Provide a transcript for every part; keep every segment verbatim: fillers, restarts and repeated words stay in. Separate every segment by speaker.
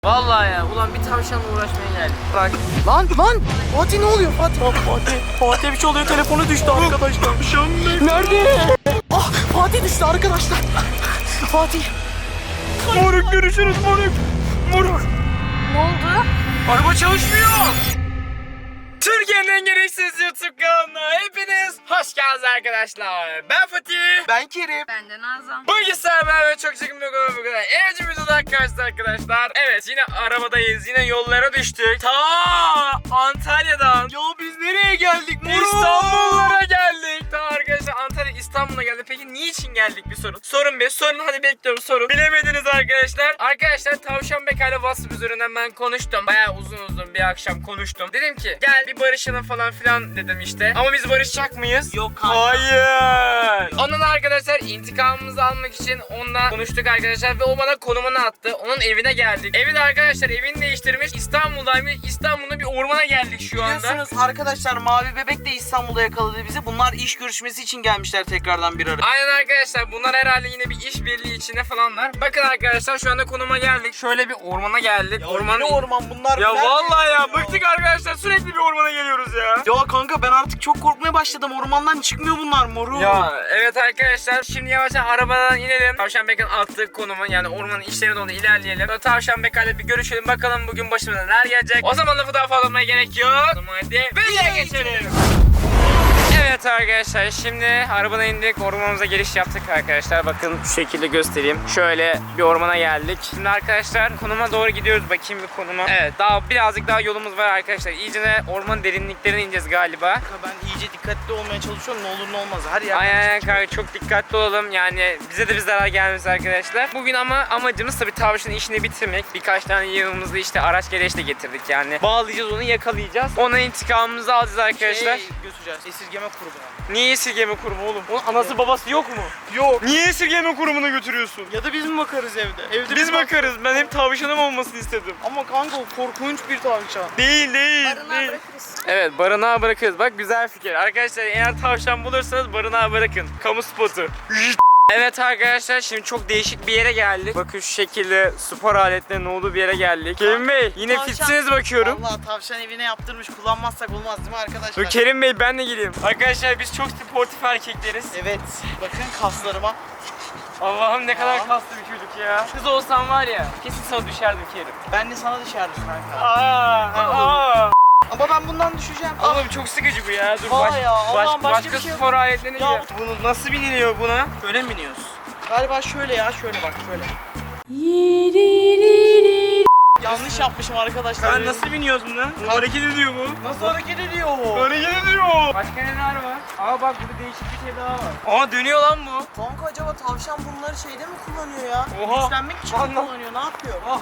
Speaker 1: Vallahi ya, ulan bir tavşanla uğraşmaya geldik. Bak.
Speaker 2: Lan lan Fatih ne oluyor Fatih? Fatih Fatih bir şey oluyor, telefonu düştü arkadaşlar. Nerede? Ah Fatih düştü arkadaşlar. Fatih.
Speaker 1: Moruk görüşürüz moruk. Moruk.
Speaker 3: Ne oldu?
Speaker 1: Araba çalışmıyor. Türkiye'nin en gereksiz YouTube kanalına hepiniz hoş geldiniz arkadaşlar. Ben Fatih.
Speaker 2: Ben Kerim.
Speaker 3: Ben de Nazan.
Speaker 1: Bugün sizlerle ve çok çekim bir konu bu kadar. Eğlenceli bir videoda karşınızda arkadaşlar. Evet, yine arabadayız, yine yollara düştük. Ta Antalya'dan.
Speaker 2: Ya biz nereye geldik moruk?
Speaker 1: İstanbullara geldik. Ta arkadaşlar Antalya İstanbul'a geldik. Peki niçin geldik bir sorun. Sorun bir sorun, hadi bekliyorum sorun. Bilemediniz arkadaşlar. Arkadaşlar Tavşan Bekay'la WhatsApp üzerinden ben konuştum. Bayağı uzun uzun bir akşam konuştum. Dedim ki gel bir barışalım falan filan dedim işte. Ama biz barışacak mıyız?
Speaker 2: Yok kanka.
Speaker 1: Hayır. Ondan arkadaşlar intikamımızı almak için onunla konuştuk arkadaşlar ve o bana konumunu attı. Onun evine geldik. Evi de arkadaşlar evini değiştirmiş. İstanbul'daymış. İstanbul'da bir ormana geldik şu anda.
Speaker 2: Biliyorsunuz arkadaşlar Mavi Bebek de İstanbul'da yakaladı bizi. Bunlar iş görüşmesi için gelmişler tekrardan bir araya.
Speaker 1: Aynen arkadaşlar, bunlar herhalde yine bir işbirliği içinde falanlar. Bakın arkadaşlar şu anda konuma geldik. Şöyle bir ormana geldik.
Speaker 2: Orman ne orman bunlar?
Speaker 1: Ya
Speaker 2: Nerede
Speaker 1: vallahi ya,
Speaker 2: ya?
Speaker 1: bıktık arkadaşlar, sürekli bir ormana geliyoruz ya.
Speaker 2: Ya kanka ben artık çok korkmaya başladım. Ormandan çıkmıyor bunlar moruk.
Speaker 1: Ya evet arkadaşlar, şimdi yavaşça arabadan inelim. Tavşan Bekay'ın attığı konumu, yani ormanın içlerine doğru ilerleyelim. Sonra Tavşan Bekay'la bir görüşelim, bakalım bugün başımıza neler gelecek. O zaman lafı daha fazla almaya gerek yok. O zaman hadi videoya geçelim. Evet arkadaşlar, şimdi arabadan indik, ormanımıza giriş yaptık arkadaşlar. Bakın şu şekilde göstereyim. Şöyle bir ormana geldik. Şimdi arkadaşlar konuma doğru gidiyoruz, bakayım bir konuma. Evet, daha birazcık daha yolumuz var arkadaşlar. İyice de ormanın derinliklerine ineceğiz galiba.
Speaker 2: Kanka ben iyice dikkatli olmaya çalışıyorum. Ne olur ne olmaz. Her yerden
Speaker 1: Aynen kanka, çok dikkatli olalım. Yani bize de bir zarar gelmez arkadaşlar. Bugün ama amacımız tabii tavşanın işini bitirmek. Birkaç tane yanımızda işte araç gereç de getirdik yani. Bağlayacağız onu, yakalayacağız. Ona intikamımızı alacağız arkadaşlar.
Speaker 2: Şey götüreceğiz. Esirgeme kurumuna.
Speaker 1: Niye esirgeme kurumu oğlum? Onun anası babası yok mu?
Speaker 2: Yok.
Speaker 1: Niye esirgeme kurumuna götürüyorsun?
Speaker 2: Ya da biz mi bakarız evde? Evde
Speaker 1: Biz
Speaker 2: bir bak-
Speaker 1: bakarız. Ben hep tavşanım olmasını istedim.
Speaker 2: Ama kanka o korkunç bir tavşan.
Speaker 1: Değil değil.
Speaker 3: Barınağa
Speaker 1: değil.
Speaker 3: bırakırız.
Speaker 1: Evet, barınağa bırakırız. Bak güzel fikir. Arkadaşlar eğer tavşan bulursanız barınağa bırakın. Kamu spotu. Evet arkadaşlar, şimdi çok değişik bir yere geldik. Bakın şu şekilde spor aletlerinin olduğu bir yere geldik. Kerim Bey yine
Speaker 2: Tavşan-
Speaker 1: fitsiniz bakıyorum.
Speaker 2: Vallahi tavşan evine yaptırmış, kullanmazsak olmaz değil mi arkadaşlar?
Speaker 1: Dur Kerim Bey, ben de geleyim. Arkadaşlar biz çok sportif erkekleriz.
Speaker 2: Evet. Bakın kaslarıma.
Speaker 1: Allah'ım ne kadar
Speaker 2: Aa.
Speaker 1: kaslı bir çocuk ya. Kız olsam var ya, kesin sana düşerdim Kerim.
Speaker 2: Ben de sana dışarıdım kanka.
Speaker 1: Aa, aa.
Speaker 2: Ama ben bundan düşeceğim. Ah.
Speaker 1: Oğlum çok sıkıcı bu ya. Dur
Speaker 2: Aa
Speaker 1: baş,
Speaker 2: ya, Allah'ım
Speaker 1: baş,
Speaker 2: başka
Speaker 1: başka
Speaker 2: bir şey yok.
Speaker 1: spor aletlerine
Speaker 2: Ya
Speaker 1: gidelim. Bunu nasıl biniliyor buna?
Speaker 2: Böyle mi biniyoruz? Galiba şöyle ya, şöyle bak şöyle. Yanlış yapmışım arkadaşlar.
Speaker 1: Ben nasıl biniyoruz buna? Bu hareket ediyor bu.
Speaker 2: Nasıl hareket ediyor o?
Speaker 1: Hareket ediyor. Başka neler var? Aa bak, burada değişik bir şey daha var. Aa, dönüyor lan bu.
Speaker 2: Kanka acaba tavşan bunları şeyde mi kullanıyor ya?
Speaker 1: Oha.
Speaker 2: Güçlenmek için mi
Speaker 1: Anlam-
Speaker 2: kullanıyor? Ne yapıyor?
Speaker 1: Ah.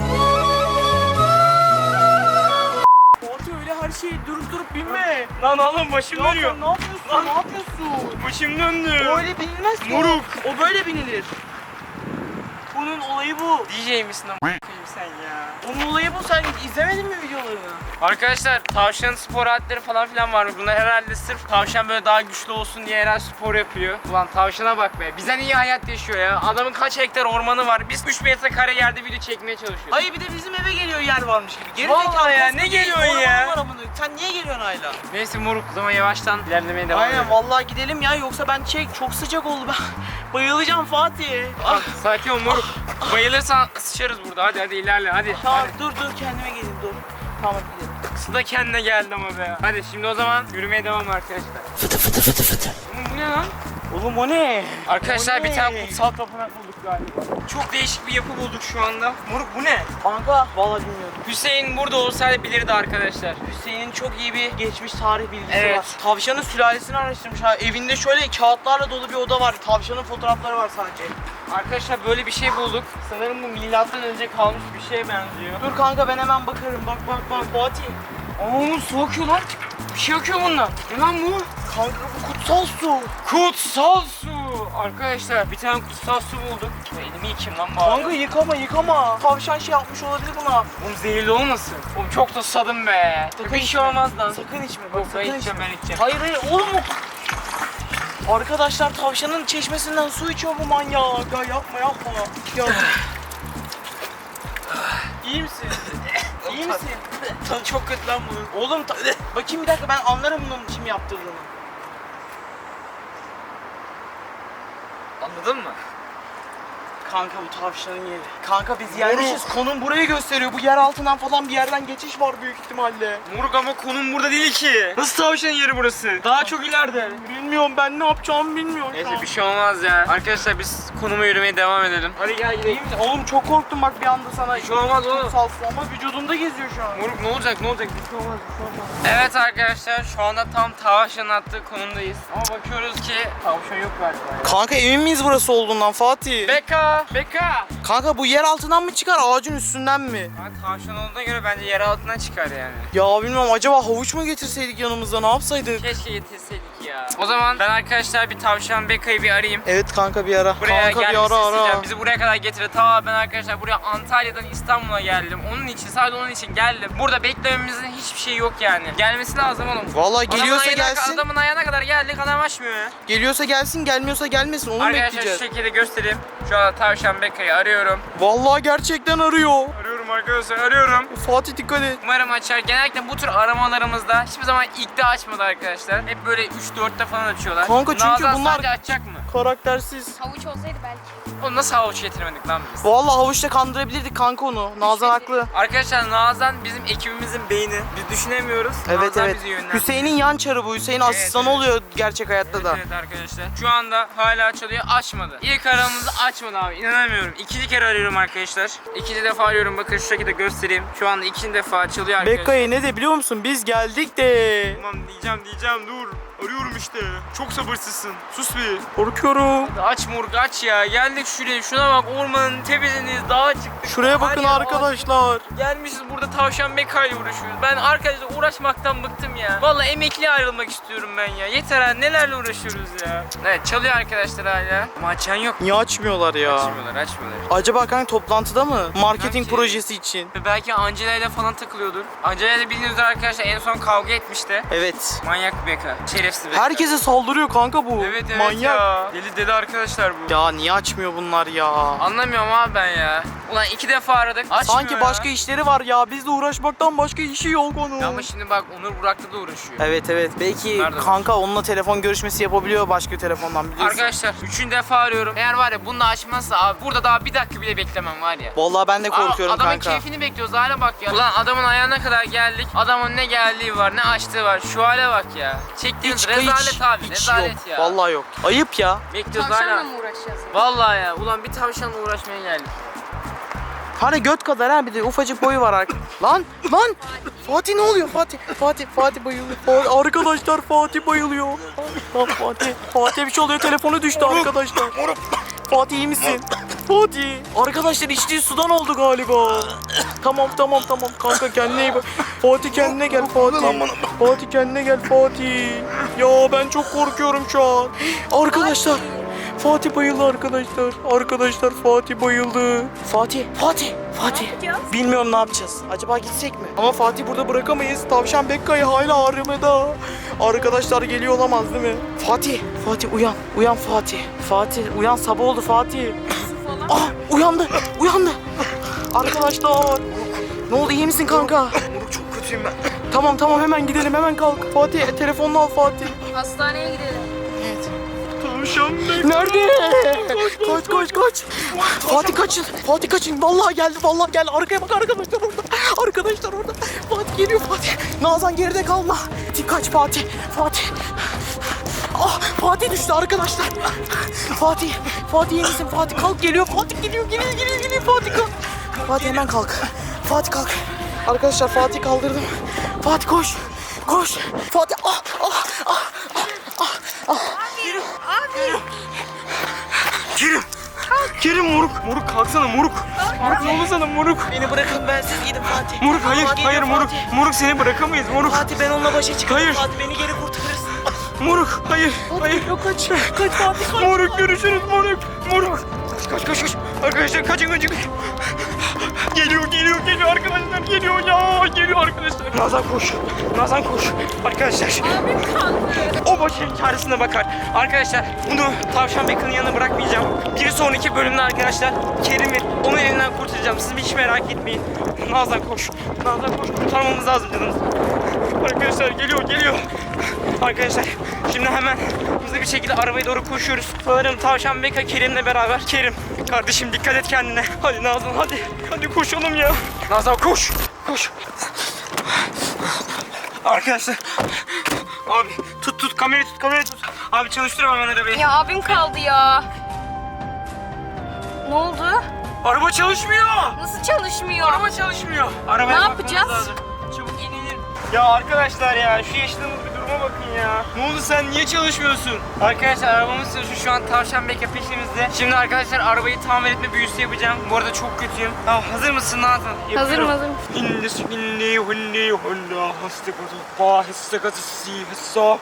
Speaker 2: Fatih öyle her şeyi durup durup binme.
Speaker 1: Lan oğlum başım
Speaker 2: Ya
Speaker 1: dönüyor.
Speaker 2: sen ne yapıyorsun?
Speaker 1: Lan.
Speaker 2: Ne yapıyorsun?
Speaker 1: Başım döndü.
Speaker 2: Öyle binilmez ki.
Speaker 1: Moruk.
Speaker 2: O O böyle binilir. Bunun olayı bu.
Speaker 1: D J misin ama sen ya?
Speaker 2: Onun olayı bu. Sen izlemedin mi videolarını?
Speaker 1: Arkadaşlar tavşanın spor aletleri falan filan var. Bunlar herhalde sırf tavşan böyle daha güçlü olsun diye herhalde spor yapıyor. Ulan tavşana bak be. Bizden iyi hayat yaşıyor ya. Adamın kaç hektar ormanı var. Biz üç metre kare yerde video çekmeye çalışıyoruz.
Speaker 2: Hayır bir de bizim eve geliyor yer varmış gibi. Geri
Speaker 1: Vallahi
Speaker 2: zekalı
Speaker 1: ya,
Speaker 2: koskoca
Speaker 1: ne geliyorsun ya?
Speaker 2: orman var amına. Sen niye geliyorsun hala?
Speaker 1: Neyse moruk, o zaman yavaştan ilerlemeye devam edelim.
Speaker 2: Aynen vallahi gidelim ya, yoksa ben çek çok sıcak oldu ben. Bayılacağım Fatih.
Speaker 1: Ah, sakin ol moruk. Bayılırsan sıçarız burada. Hadi hadi ilerle hadi.
Speaker 2: Tamam
Speaker 1: Hadi.
Speaker 2: dur dur kendime geleyim dur. Tamam gidelim.
Speaker 1: Kısı da kendine geldi ama be. Hadi şimdi o zaman yürümeye devam arkadaşlar. Fıtı fıtı fıtı fıtı. Bu ne lan?
Speaker 2: Oğlum o ne?
Speaker 1: Arkadaşlar
Speaker 2: O
Speaker 1: bir
Speaker 2: ne?
Speaker 1: tane kutsal tapınak bulduk galiba. Çok değişik bir yapı bulduk şu anda. Moruk bu ne?
Speaker 2: Kanka vallahi bilmiyorum.
Speaker 1: Hüseyin burada olsaydı bilirdi arkadaşlar.
Speaker 2: Hüseyin'in çok iyi bir geçmiş tarih bilgisi
Speaker 1: Evet.
Speaker 2: var. Tavşanın sülalesini araştırmış ha. Evinde şöyle kağıtlarla dolu bir oda var. Tavşanın fotoğrafları var sadece.
Speaker 1: Arkadaşlar böyle bir şey bulduk. Sanırım bu milattan önce kalmış bir şeye benziyor.
Speaker 2: Dur kanka ben hemen bakarım. Bak bak bak Fatih.
Speaker 1: Aa, su akıyor lan. Bir şey akıyor bundan. Ne lan bu?
Speaker 2: Kanka bu kutsal su.
Speaker 1: Kutsal su. Arkadaşlar bir tane kutsal su bulduk. Elimi yıkayayım lan bari.
Speaker 2: Kanka yıkama yıkama. Tavşan şey yapmış olabilir buna.
Speaker 1: Oğlum zehirli olmasın. Oğlum çok da susadım be.
Speaker 2: Sakın
Speaker 1: Bir şey
Speaker 2: içme.
Speaker 1: olmaz lan.
Speaker 2: Sakın içme bak
Speaker 1: Yok, ben
Speaker 2: sakın
Speaker 1: içeceğim,
Speaker 2: içme.
Speaker 1: ben içeceğim.
Speaker 2: Hayır hayır oğlum o... Arkadaşlar tavşanın çeşmesinden su içiyor bu manyak. Ya yapma yapma. Ya. İyi misin? İyi misin? Tadı çok kötü lan bunun. Oğlum ta- bakayım bir dakika, ben anlarım bunun kim yaptırdığını.
Speaker 1: Anladın mı?
Speaker 2: Kanka bu tavşanın yeri. Kanka biz yerleşiz. Konum burayı gösteriyor. Bu yer altından falan bir yerden geçiş var büyük ihtimalle.
Speaker 1: Moruk ama konum burada değil ki. Nasıl tavşanın yeri burası? Daha çok ileride.
Speaker 2: Bilmiyorum, ben ne yapacağımı bilmiyorum şu
Speaker 1: Neyse
Speaker 2: an.
Speaker 1: bir şey olmaz ya. Arkadaşlar biz konuma yürümeye devam edelim. Hadi gel
Speaker 2: İyi
Speaker 1: gidelim.
Speaker 2: misin? Oğlum çok korktum bak bir anda sana.
Speaker 1: Bir şey olmaz oğlum.
Speaker 2: Salsın ama vücudunda geziyor şu an.
Speaker 1: Moruk ne olacak ne olacak? Bir şey olmaz bir şey olmaz. Evet arkadaşlar şu anda tam tavşanın attığı konumdayız. Ama bakıyoruz ki tavşan yok galiba. ya.
Speaker 2: Kanka emin miyiz burası olduğundan Fatih?
Speaker 1: Beka! Beka!
Speaker 2: Kanka bu yer altından mı çıkar, ağacın üstünden mi?
Speaker 1: Ama tavşan olduğuna göre bence yer altından çıkar yani.
Speaker 2: Ya bilmiyorum, acaba havuç mu getirseydik yanımızda, ne yapsaydık?
Speaker 1: Keşke getirseydik ya. O zaman ben arkadaşlar bir tavşan Beka'yı bir arayayım.
Speaker 2: Evet kanka bir ara.
Speaker 1: Buraya
Speaker 2: kanka bir
Speaker 1: gelmesini
Speaker 2: ara
Speaker 1: isteyeceğim.
Speaker 2: ara.
Speaker 1: Bizi buraya kadar getirdi. Ta ben arkadaşlar buraya Antalya'dan İstanbul'a geldim. Onun için, sadece onun için geldim. Burada beklememizin hiçbir şeyi yok yani. Gelmesi lazım oğlum.
Speaker 2: Vallahi geliyorsa
Speaker 1: Adamın ayağına-
Speaker 2: gelsin.
Speaker 1: Adamın ayağına kadar geldik, adam açmıyor ya.
Speaker 2: Geliyorsa gelsin, gelmiyorsa gelmesin, onu mu
Speaker 1: Arkadaşlar şu
Speaker 2: bekleyeceğiz?
Speaker 1: şekilde göstereyim. Şu an tavşan Beka'yı arıyorum.
Speaker 2: Vallahi gerçekten arıyor.
Speaker 1: Arıyorum arkadaşlar, arıyorum.
Speaker 2: Fatih dikkat et.
Speaker 1: Umarım açar. Genellikle bu tür aramalarımızda hiçbir zaman ilkte açmadı arkadaşlar. Hep böyle üç dörtte falan açıyorlar.
Speaker 2: Kanka çünkü
Speaker 1: Nazan
Speaker 2: bunlar-
Speaker 1: sadece açacak mı?
Speaker 2: Karaktersiz.
Speaker 3: Havuç olsaydı belki.
Speaker 1: Oğlum nasıl havuç getirmedik lan biz?
Speaker 2: Vallahi havuçla kandırabilirdik kanka onu. Nazan haklı.
Speaker 1: Arkadaşlar Nazan bizim ekibimizin beyni. Biz düşünemiyoruz.
Speaker 2: Evet
Speaker 1: Nazan
Speaker 2: evet.
Speaker 1: bizi yönlendiriyor.
Speaker 2: Hüseyin'in yan çarı bu. Hüseyin asistanı
Speaker 1: evet.
Speaker 2: oluyor gerçek hayatta da.
Speaker 1: Evet, evet arkadaşlar. Şu anda hala çalıyor, açmadı. İlk aramızı açmadı abi, inanamıyorum. İkinci kere arıyorum arkadaşlar. İkinci defa arıyorum, bakın şu şekilde göstereyim. Şu anda ikinci defa çalıyor arkadaşlar.
Speaker 2: Bekka'yı ne de biliyor musun? Biz geldik de.
Speaker 1: Tamam diyeceğim diyeceğim dur. Arıyorum işte. Çok sabırsızsın. Sus bir.
Speaker 2: Korkuyorum.
Speaker 1: Aç Morg aç ya. Geldik şuraya. Şuna bak, ormanın tepesindeyiz. Dağa çıktık.
Speaker 2: Şuraya bakın
Speaker 1: Her yer
Speaker 2: arkadaşlar.
Speaker 1: ağaç. Gelmişiz burada tavşan Beka'yla uğraşıyoruz. Ben arkadaşlar uğraşmaktan bıktım ya. Vallahi emekli ayrılmak istiyorum ben ya. Yeter ha, nelerle uğraşıyoruz ya. Evet çalıyor arkadaşlar hala. Ama açan yok.
Speaker 2: Niye açmıyorlar ya?
Speaker 1: Açmıyorlar açmıyorlar.
Speaker 2: Acaba kanka toplantıda mı? Marketing
Speaker 1: Sanki-
Speaker 2: projesi için.
Speaker 1: Ve belki Angela ile falan takılıyordur. Angela ile bildiğiniz üzere arkadaşlar en son kavga etmişti.
Speaker 2: Evet.
Speaker 1: Manyak Beka. Şerefsiz Beka.
Speaker 2: Herkese saldırıyor kanka bu.
Speaker 1: Evet evet
Speaker 2: Manyak.
Speaker 1: ya. Deli deli arkadaşlar bu.
Speaker 2: Ya niye açmıyor bunlar ya?
Speaker 1: Anlamıyorum abi ben ya. Ulan iki defa aradık. Açmıyor
Speaker 2: Sanki
Speaker 1: ya.
Speaker 2: başka işleri var ya. Bizle uğraşmaktan başka işi yok onun.
Speaker 1: Ya ama şimdi bak Onur Burak'ta da uğraşıyor.
Speaker 2: Evet evet. Belki
Speaker 1: Nerede
Speaker 2: kanka onunla telefon görüşmesi yapabiliyor başka telefondan, biliyorsun.
Speaker 1: Arkadaşlar üçüncü defa arıyorum. Eğer var ya bunu da açmazsa abi burada daha bir dakika bile beklemem var ya.
Speaker 2: Vallahi ben de korkuyorum
Speaker 1: Aa, adamın
Speaker 2: kanka.
Speaker 1: keyfini bekliyoruz, hale bak ya. Ulan adamın ayağına kadar geldik. Adamın ne geldiği var, ne açtığı var. Şu hale bak ya. Çektiğiniz
Speaker 2: Hiç,
Speaker 1: rezalet
Speaker 2: hiç,
Speaker 1: abi.
Speaker 2: hiç
Speaker 1: rezalet
Speaker 2: yok.
Speaker 1: ya.
Speaker 2: Vallahi yok. Ayıp ya.
Speaker 1: Bekliyoruz
Speaker 3: Tavşanla
Speaker 1: hala.
Speaker 3: mı uğraşacağız?
Speaker 1: Vallahi ya. Ulan bir tavşanla uğraşmaya geldik.
Speaker 2: Hani göt kadar ha, bir de ufacık boyu var arka. Lan lan. Fatih ne oluyor Fatih? Fatih Fatih bayılıyor. Fatih, arkadaşlar Fatih bayılıyor. Lan Fatih. Fatih bir şey oluyor, telefonu düştü arkadaşlar. Fatih iyi misin? Fatih. Arkadaşlar içtiği sudan oldu galiba. Tamam tamam tamam kanka, kendine iyi bak. Fatih kendine gel Fatih. Fatih kendine gel Fatih. Ya ben çok korkuyorum şu an. Arkadaşlar. Fatih bayıldı arkadaşlar. Arkadaşlar Fatih bayıldı. Fatih, Fatih, Fatih.
Speaker 3: yapacağız?
Speaker 2: Bilmiyorum ne yapacağız. Acaba gitsek mi? Ama Fatih burada bırakamayız. Tavşan Bekka'yı hala aramada. Arkadaşlar geliyor olamaz değil mi? Fatih, Fatih uyan. Uyan Fatih. Fatih uyan, sabah oldu Fatih. Ah uyandı, uyandı. Arkadaşlar. Ne oldu, iyi misin kanka?
Speaker 1: Moruk çok kötüyüm ben.
Speaker 2: Tamam tamam hemen gidelim, hemen kalk. Fatih telefonunu al Fatih.
Speaker 3: Hastaneye gidelim.
Speaker 2: Evet.
Speaker 1: Tavşan
Speaker 2: Nerede? Kaç kaç kaç. Fatih kaçın. Fatih kaçın. Vallahi geldi. Vallahi geldi. Arkaya bak, arkadaşlar orada. Arkadaşlar orada. Fatih geliyor Fatih. Nazan geride kalma. Fatih kaç Fatih. Fatih. Ah Fatih düştü arkadaşlar. Fatih. Fatih iyi misin? Fatih kalk, geliyor. Fatih geliyor geliyor geliyor geliyor. Fatih kalk. Fatih hemen kalk. Fatih kalk. Arkadaşlar Fatih kaldırdım. Fatih koş. Koş. Fatih ah ah ah ah ah.
Speaker 1: Kerim. Kerim moruk. Moruk kalksana moruk. Moruk ne oldu sana moruk?
Speaker 2: Beni bırakın, bensiz gidin Fatih.
Speaker 1: Moruk hayır
Speaker 2: Fatih
Speaker 1: hayır
Speaker 2: geliyor,
Speaker 1: moruk.
Speaker 2: Fatih.
Speaker 1: Moruk seni bırakamayız moruk.
Speaker 2: Fatih ben onunla başa çıkarım.
Speaker 1: Hayır.
Speaker 2: Fatih beni geri kurtarırsın.
Speaker 1: Moruk hayır hayır.
Speaker 2: Yok kaç. Kaç Fatih kaç.
Speaker 1: Moruk görüşürüz moruk. Moruk. Kaç kaç kaç kaç. Arkadaşlar kaçın kaçın. Geliyor geliyor geliyor arkadaşlar, geliyor ya, geliyor arkadaşlar. Nazan koş. Nazan koş. Arkadaşlar.
Speaker 3: Abim kaldı.
Speaker 1: O başının çaresine bakar. Arkadaşlar bunu Tavşan Beka'nın yanına bırakmayacağım. Bir sonraki bölümde arkadaşlar Kerim'i Onu elinden kurtaracağım. Siz hiç merak etmeyin. Nazan koş. Nazan koş. Kurtarmamız lazım canımızı. Arkadaşlar geliyor geliyor. Arkadaşlar şimdi hemen hızlı bir şekilde arabaya doğru koşuyoruz. Sanırım Tavşan Beka Kerim'le beraber. Kerim kardeşim dikkat et kendine. Hadi Nazan hadi. Hadi koşalım ya. Nazan koş. Koş. Arkadaşlar. Abi tut tut kamerayı tut kamerayı tut. Abi çalıştırma hemen arabayı.
Speaker 3: Ya abim kaldı ya. Ne oldu?
Speaker 1: Araba çalışmıyor.
Speaker 3: Nasıl çalışmıyor?
Speaker 1: Araba çalışmıyor. Arabaya
Speaker 3: Ne
Speaker 1: bakmamız
Speaker 3: yapacağız?
Speaker 1: lazım. Çabuk in in in. Ya arkadaşlar ya şu yaşadığımız bir duruma bakın ya. Ne oldu sen niye çalışmıyorsun? Arkadaşlar arabamız çalışıyor şu an Tavşan Beka peşimizde. Şimdi arkadaşlar arabayı tamir etme büyüsü yapacağım. Bu arada çok kötüyüm. Tamam hazır mısın Nazan?
Speaker 3: Hazırım hazırım.
Speaker 1: İnni inni hunni hunna hastakatu pa hastakatu si hassa.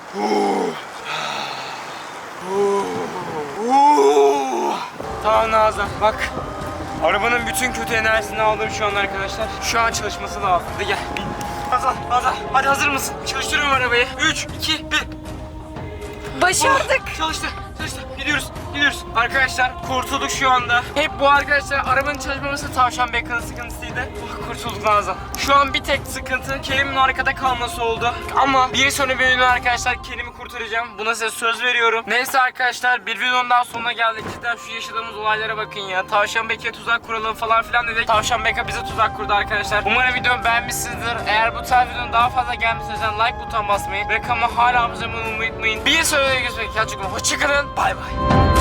Speaker 1: Tamam Nazan bak. Arabanın bütün kötü enerjisini aldım şu an arkadaşlar. Şu an çalışması lazım. Hadi gel. Nazan, Nazan hadi hazır mısın? Çalıştırıyorum arabayı. üç, iki, bir.
Speaker 3: Başardık.
Speaker 1: Oh, çalıştı, çalıştı. Gidiyoruz, gidiyoruz. Arkadaşlar kurtulduk şu anda. Hep bu arkadaşlar arabanın çalışmaması Tavşan Beka'nın sıkıntısıydı. Oh, kurtulduk Nazan. Şu an bir tek sıkıntı Kerim'in arkada kalması oldu. Ama bir sonraki bölümde arkadaşlar Kerim'i kurtaracağım. Buna size söz veriyorum. Neyse arkadaşlar bir videonun daha sonuna geldik. Cidden şu yaşadığımız olaylara bakın ya. Tavşan Beka'ya tuzak kuralım falan filan dedik. Tavşan Beka bize tuzak kurdu arkadaşlar. Umarım videomu beğenmişsinizdir. Eğer bu tarz videonun daha fazla gelmesi için like butonuna basmayı ve kanalıma hala abone olmayı unutmayın. Bir sonraki görüşmek üzere. Hoşçakalın. Bay bay.